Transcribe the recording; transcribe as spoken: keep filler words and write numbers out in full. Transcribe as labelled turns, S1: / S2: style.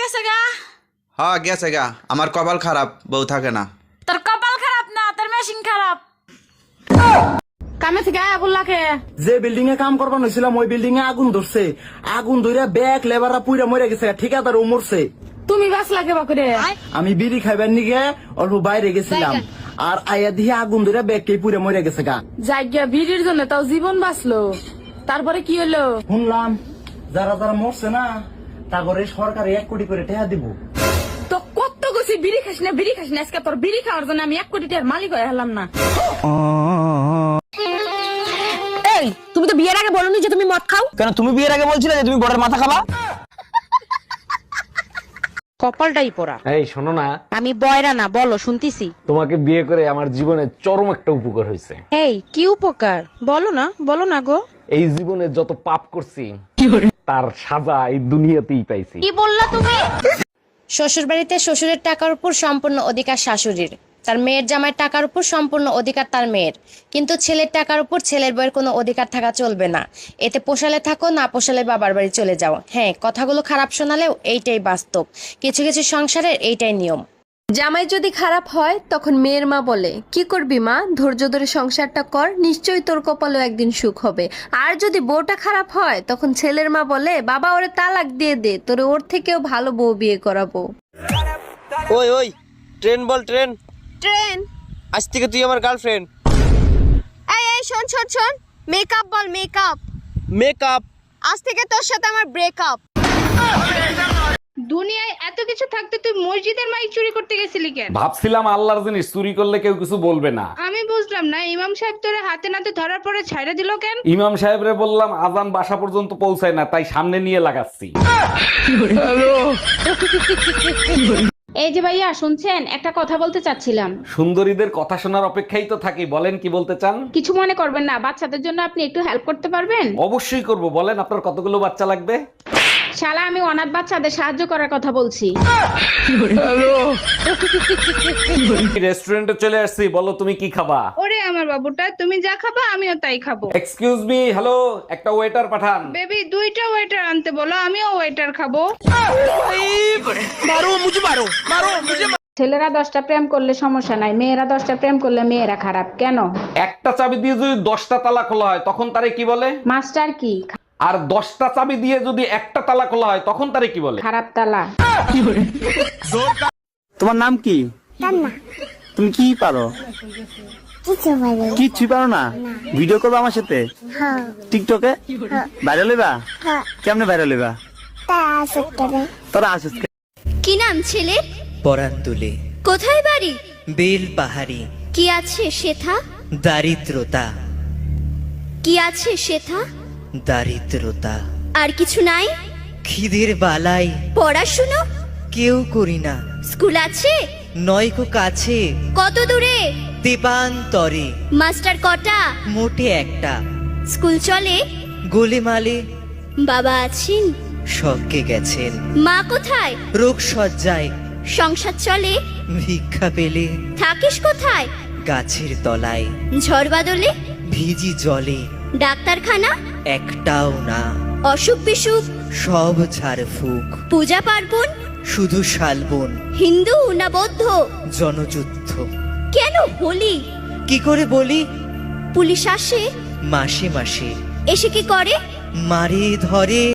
S1: গেছে গা?
S2: হ্যাঁ গেছে গা। আমার কপাল খারাপ, বউ থাকে না।
S1: তোর কপাল খারাপ না, তোর মেশিন খারাপ। কামে থেকে আয়া বললাকে
S3: যে বিল্ডিং এ কাম করবার হয়েছিলাম ওই বিল্ডিং এ আগুন ধরছে। আগুন ধরে ব্যাগ লেবাররা পুইরা মরে গেছে, ঠিকাদার ও মরছে।
S1: তুমি বাস লাগে বাকুরে।
S3: আমি বিড়ি খাইবার নিগে অল্প বাইরে গেছিলাম, আর আয়া দিয়ে আগুন ধরে ব্যাগ কে পুইরা মরে গেছে গা।
S1: জায়গা ভিড়ির জন্য তাও জীবন বাঁচলো, তারপরে কি হলো?
S3: শুনলাম যারা যারা মরছে না তারপরে সরকারে এক কোটি করে টাকা দিব।
S1: তো কত গেছি বিড়ি খাস না বিড়ি খাস না, আজকে তোর বিড়ি খাওয়ার জন্য আমি এক কোটি টাকার মালিক হয়ে হলাম না।
S4: এই তুমি তো বিয়ের আগে বলোনি যে তুমি মদ খাও।
S5: কেন তুমি বিয়ের আগে বলছিলে যে তুমি বড়ের মাথা খাবা?
S4: কপালটাই পোড়া।
S5: এই শোনো না,
S4: আমি বয়রা না, বলো শুনতিছি।
S5: তোমাকে বিয়ে করে আমার জীবনে চরম একটা উপকার হয়েছে।
S4: এই কি উপকার বলো না, বলো না গো।
S5: এই জীবনে যত পাপ করছি তার সাজা এই দুনিয়াতেই পাইছি।
S4: কি বললা তুমি?
S6: শ্বশুর বাড়িতে শ্বশুরের টাকার উপর সম্পূর্ণ অধিকার শাশুড়ির, তার মেয়ের জামাইয়ের টাকার উপর সম্পূর্ণ অধিকার তার মেয়ের, কিন্তু ছেলের টাকার উপর ছেলের বউয়ের কোনো অধিকার থাকা চলবে না। এতে পোষালে থাকো, না পোষালে বাবার বাড়ি চলে যাও। হ্যাঁ, কথাগুলো খারাপ শোনালেও এইটাই বাস্তব, কিছু কিছু সংসারের এইটাই নিয়ম।
S7: জামাই যদি খারাপ হয় তখন মেয়ের মা বলে, কি করবি মা, ধৈর্য ধরে সংসারটা কর, নিশ্চয়ই তোর কপালেও একদিন সুখ হবে। আর যদি বউটা খারাপ হয় তখন ছেলের মা বলে, বাবা ওরে তালাক দিয়ে দে, তোরে ওর থেকেও ভালো বউ বিয়ে করাবো।
S8: ওই ওই ট্রেন বল, ট্রেন
S7: ট্রেন।
S8: আজ থেকে তুই আমার গার্লফ্রেন্ড।
S7: এই এই শোন শোন শোন, মেকআপ বল, মেকআপ।
S8: মেকআপ।
S7: আজ থেকে তোর সাথে আমার ব্রেকআপ।
S1: দুনিয়ায় এত কিছু থাকতে তুই মসজিদের মাইক চুরি করতে গেছিলি কেন?
S5: ভাবছিলাম আল্লাহর জিনিস চুরি করলে কেউ কিছু বলবে না।
S1: আমি বুঝলাম না, ইমাম সাহেব তোরে হাতে নাতে ধরার পরে ছাইড়া দিল কেন?
S5: ইমাম সাহেবরে বললাম আজান বাসা পর্যন্ত পৌঁছায় না, তাই সামনে নিয়ে লাগাচ্ছি।
S1: এই যে ভাইয়া শুনছেন, একটা কথা বলতে চাচ্ছিলাম।
S5: সুন্দরীদের কথা শোনার অপেক্ষাই তো থাকি, বলেন কি বলতে চান?
S1: কিছু মনে করবেন না, বাচ্চাদের জন্য আপনি একটু হেল্প করতে পারবেন?
S5: অবশ্যই করব, বলেন আপনার কতগুলো বাচ্চা লাগবে?
S1: শালা আমি অনাথ বাচ্চাদের সাহায্য করার কথা বলছি।
S5: রেস্টুরেন্টে চলে আসছি, বলো তুমি কি খাবা?
S1: ওরে আমার বাবুটা, তুমি যা খাবা আমিও তাই খাবো।
S5: এক্সকিউজ মি, হ্যালো, একটা ওয়েটার পাঠান।
S1: বেবি দুইটা ওয়েটার আনতে বলো, আমিও ওয়েটার খাবো। ছেলেরা দশটা প্রেম করলে সমস্যা নাই, মেয়েরা দশটা প্রেম করলে মেয়েরা খারাপ কেন?
S5: একটা চাবি দিয়ে যদি দশটা তালা খোলা হয় তখন তারে কি বলে?
S1: মাস্টার কি?
S5: আর দশটা চাবি দিয়ে যদি একটা তালা খোলা হয় তখন তারে কি বলে?
S1: খারাপ তালা।
S3: তোমার নাম কি? তুমি কি পারো? কিচ্ছু পারো না? ভিডিও করবে আমার সাথে টিকটকে? ভাইরাল হইবা? কেমনে ভাইরাল হইবা? তোরা আসিস।
S7: কি নাম ছেলে?
S9: পরান তুলে।
S7: কোথায় বাড়ি?
S9: বেল পাহাড়ি।
S7: কি আছে সেথা?
S9: দারিদ্রতা।
S7: কি আছে সেথা?
S9: দারিদ্রতা।
S7: আর কিছু নাই?
S9: খিদের বালাই
S7: পড়াশুনো?
S9: কেউ করি না।
S7: স্কুল আছে?
S9: নয়কো কাছে।
S7: কত দূরে?
S9: দেবান্তরে।
S7: মাস্টার কটা?
S9: মোটে একটা।
S7: স্কুল চলে?
S9: গোলেমালে।
S7: বাবা আছেন?
S9: স্বর্গে গেছেন।
S7: মা কোথায়?
S9: রোগ সজ্জায়।
S7: সংসার চলে?
S9: ভিক্ষা পেলে।
S7: থাকিস কোথায়?
S9: গাছের তলায়।
S7: ঝড় বাদলে?
S9: ভিজি জলে।
S7: ডাক্তারখানা?
S9: একটাও না।
S7: অসুখ বিসুখ?
S9: সব ঝাড় ফুক।
S7: পূজা পার্বণ?
S9: শুধু শালবন।
S7: হিন্দু না বৌদ্ধ?
S9: জনযুদ্ধ।
S7: কেন হোলি?
S9: কি করে বলি?
S7: পুলিশ আসে?
S9: মাসে মাসে।
S7: এসে কি করে?
S9: মারে ধরে।